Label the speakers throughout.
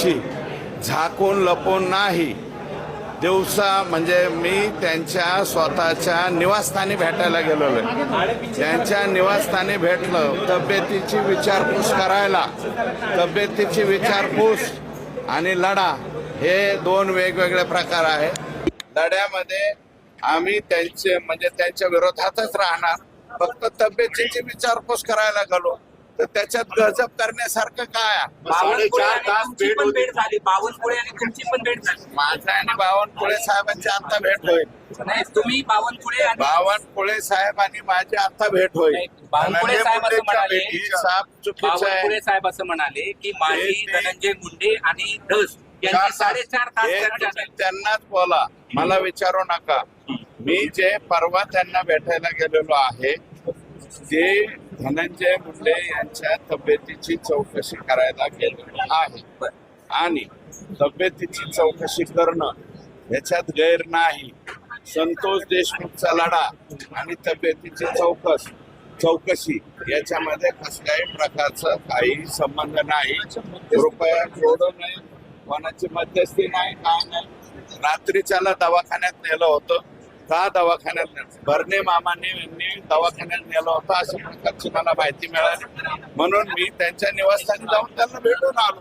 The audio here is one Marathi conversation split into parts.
Speaker 1: तब्येतीची झाकून लपून नाही, दिवसा म्हणजे मी त्यांच्या स्वतःच्या निवासस्थानी भेटायला गेलेलो आहे. त्यांच्या निवासस्थानी भेटलं, तब्येतीची विचारपूस करायला. तब्येतीची विचारपूस आणि लढा हे दोन वेगवेगळे प्रकार आहे. लढ्यामध्ये आम्ही त्यांच्या विरोधातच राहणार. फक्त तब्येतीची विचारपूस करायला गेलो तर त्याच्यात गजब करण्यासारखं काय आहे?
Speaker 2: बावनकुळे पण भेट झाली. बावनकुळे आणि तुमची पण भेट झाली.
Speaker 1: माझा आणि बावनकुळे साहेबांची आता भेट होईल.
Speaker 2: नाही, तुम्ही
Speaker 1: बावनकुळे साहेब आणि माझी आता भेट होईल.
Speaker 2: बावनकुळे साहेब असं म्हणाले,
Speaker 1: चुकीचं
Speaker 2: साहेब असं म्हणाले की माझी धनंजय मुंडे आणि धस यांची 4.5 तास चर्चा झाली.
Speaker 1: त्यांनाच बोला, मला विचारू नका. मी जे परवा त्यांना भेटायला गेलेलो आहे ते धनंजय मुंडे यांच्या तब्येतीची चौकशी करायला गेलेलो आहे. आणि तब्येतीची चौकशी करणं याच्यात गैर नाही. संतोष देशमुखचा लढा आणि तब्येतीची चौकशी याच्यामध्ये कसल्याही प्रकारचा काही संबंध नाही. कृपया जोडू नये. कोणाची मध्यस्थी नाही, काय नाही. रात्रीच्याला दवाखान्यात नेलं होतं. का दवाखान्यात नेलं? भरणे मामांनी दवाखान्यात नेलं होतं अशा प्रकारची मला माहिती मिळाली. म्हणून मी त्यांच्या निवासस्थानी जाऊन त्यांना भेटून आलो.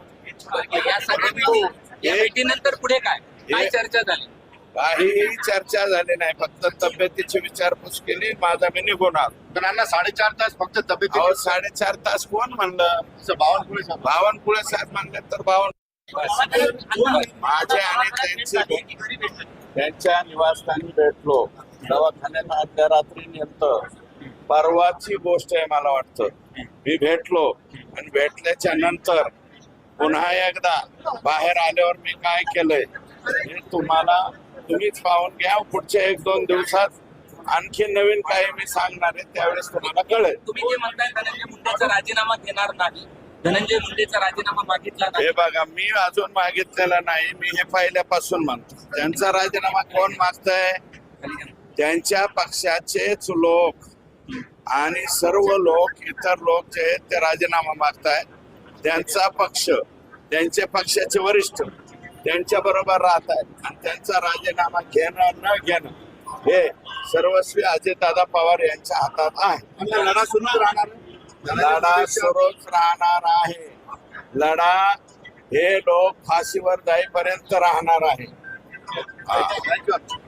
Speaker 2: या भेटीनंतर पुढे काय चर्चा झाली?
Speaker 1: काहीही चर्चा झाली नाही. फक्त तब्येतीची विचारपूस केली. माझा मी निघून आलो.
Speaker 3: त्यांना 4.5 तास फक्त तब्येत.
Speaker 1: 4.5 तास कोण म्हणलं? बावनकुळे साहेब म्हणले तर माझे आणि त्यांच्या निवासस्थानी भेटलो. दवाखान्यात आदल्या रात्री नेलं. परवाची गोष्ट आहे मला वाटतं. मी भेटलो आणि भेटल्याच्या नंतर पुन्हा एकदा बाहेर आल्यावर मी काय केलंय हे तुम्हीच पाहून घ्या. पुढच्या 1-2 दिवसात आणखी नवीन काही मी सांगणार आहे, त्यावेळेस तुम्हाला कळेल.
Speaker 2: तुम्ही जे म्हणताय धनंजय मुंडेचा राजीनामा घेणार नाही, धनंजय मुंडेचा राजीनामा मागितला नाही.
Speaker 1: हे बघा, मी अजून मागितलेला नाही. मी हे पहिल्यापासून म्हणतो. त्यांचा राजीनामा कोण मागतंय? त्यांच्या पक्षाचेच लोक आणि सर्व लोक, इतर लोक जे आहेत ते राजीनामा मागतायत. त्यांचा पक्ष, त्यांच्या पक्षाचे वरिष्ठ त्यांच्या बरोबर राहत आहेत आणि त्यांचा राजीनामा घेणं न घेणं हे सर्वस्वी अजितदादा पवार यांच्या हातात आहे.
Speaker 3: लढा सुरूच राहणार.
Speaker 1: लढा सुरूच राहणार आहे. लढा हे लोक फाशीवर जाईपर्यंत राहणार आहे.